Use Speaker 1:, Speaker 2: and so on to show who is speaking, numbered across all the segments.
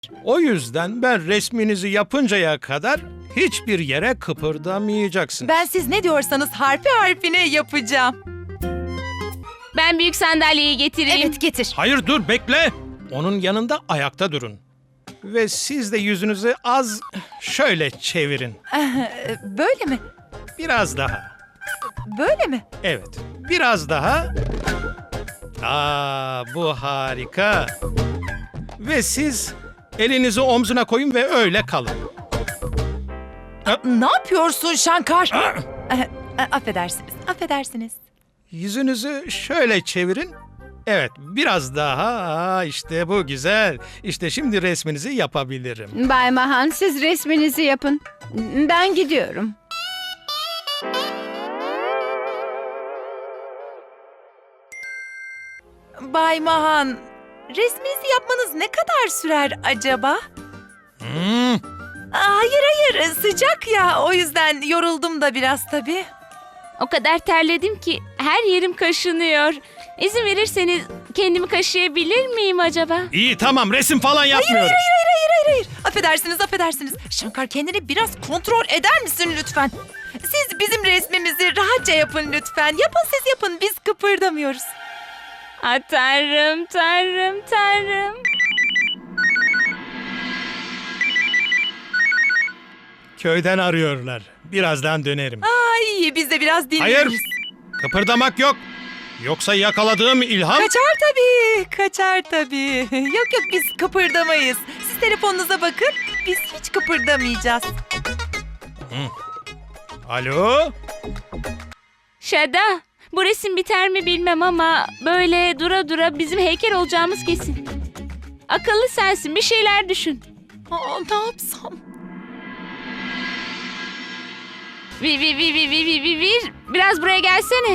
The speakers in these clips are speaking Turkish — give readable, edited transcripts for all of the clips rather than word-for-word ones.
Speaker 1: O yüzden ben resminizi yapıncaya kadar hiçbir yere kıpırdamayacaksınız.
Speaker 2: Ben siz ne diyorsanız harfi harfine yapacağım.
Speaker 3: Ben büyük sandalyeyi getireyim.
Speaker 2: Evet, getir.
Speaker 1: Hayır, dur, bekle. Onun yanında ayakta durun. Ve siz de yüzünüzü az şöyle çevirin.
Speaker 2: Böyle mi?
Speaker 1: Biraz daha.
Speaker 2: Böyle mi?
Speaker 1: Evet, biraz daha. Bu harika. Ve siz elinizi omzuna koyun ve öyle kalın.
Speaker 2: Ne yapıyorsun Şankar? Affedersiniz, affedersiniz.
Speaker 1: Yüzünüzü şöyle çevirin. Evet, biraz daha. İşte bu güzel. İşte şimdi resminizi yapabilirim.
Speaker 4: Bay Mahan, siz resminizi yapın. Ben gidiyorum.
Speaker 2: Bay Mahan, resminizi yapmanız ne kadar sürer acaba? Hayır hayır, sıcak ya. O yüzden yoruldum da biraz tabii.
Speaker 3: O kadar terledim ki her yerim kaşınıyor. İzin verirseniz kendimi kaşıyabilir miyim acaba?
Speaker 1: İyi, tamam, resim falan yapmıyoruz.
Speaker 2: Hayır. Affedersiniz, affedersiniz. Şankar, kendini biraz kontrol eder misin lütfen? Siz bizim resmimizi rahatça yapın lütfen. Yapın, siz yapın. Biz kıpırdamıyoruz.
Speaker 3: Tanrım, tanrım, tanrım.
Speaker 1: Köyden arıyorlar. Birazdan dönerim.
Speaker 2: Ay, biz de biraz dinleniriz.
Speaker 1: Hayır, kıpırdamak yok. Yoksa yakaladığım ilham...
Speaker 2: Kaçar tabii. Yok biz kıpırdamayız. Siz telefonunuza bakın, biz hiç kıpırdamayacağız.
Speaker 1: Alo?
Speaker 3: Şada, bu resim biter mi bilmem ama böyle dura dura bizim heykel olacağımız kesin. Akıllı sensin, bir şeyler düşün.
Speaker 2: Ne yapsam?
Speaker 3: Vir. Biraz buraya gelsene.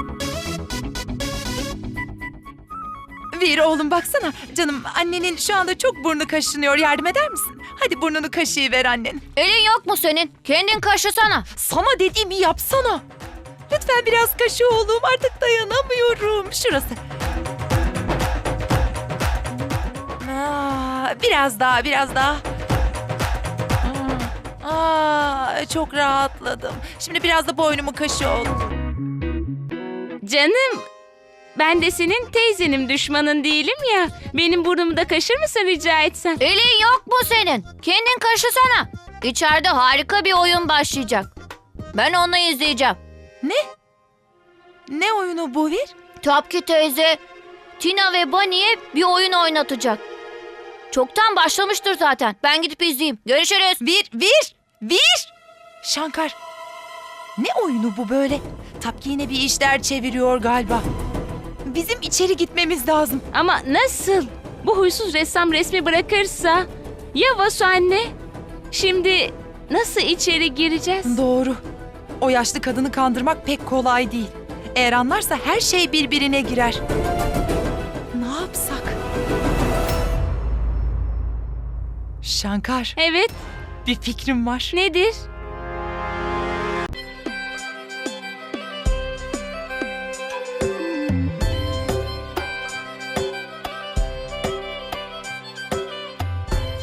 Speaker 2: Vir oğlum, baksana. Canım, annenin şu anda çok burnu kaşınıyor. Yardım eder misin? Hadi burnunu kaşıyıver annen.
Speaker 5: Elin yok mu senin? Kendin kaşısana.
Speaker 2: Sana dediğimi yapsana. Lütfen biraz kaşı oğlum. Artık dayanamıyorum. Şurası. Biraz daha. Çok rahatladım. Şimdi biraz da boynumu kaşı oğlum.
Speaker 3: Canım, ben de senin teyzenim, düşmanın değilim ya. Benim burnumu da kaşır mısın rica etsem?
Speaker 5: Elin yok mu senin? Kendin kaşısana. İçeride harika bir oyun başlayacak. Ben onu izleyeceğim.
Speaker 2: Ne oyunu bu Vir?
Speaker 5: Tapki teyze Tina ve Bunny'e bir oyun oynatacak. Çoktan başlamıştır zaten. Ben gidip izleyeyim. Görüşürüz.
Speaker 2: Vir! Şankar, ne oyunu bu böyle? Tapki yine bir işler çeviriyor galiba. Bizim içeri gitmemiz lazım.
Speaker 3: Ama nasıl? Bu huysuz ressam resmi bırakırsa? Ya Vasu anne? Şimdi nasıl içeri gireceğiz?
Speaker 2: Doğru. O yaşlı kadını kandırmak pek kolay değil. Eğer anlarsa her şey birbirine girer. Ne yapsak? Şankar,
Speaker 3: Evet,
Speaker 2: bir fikrim var.
Speaker 3: nedir?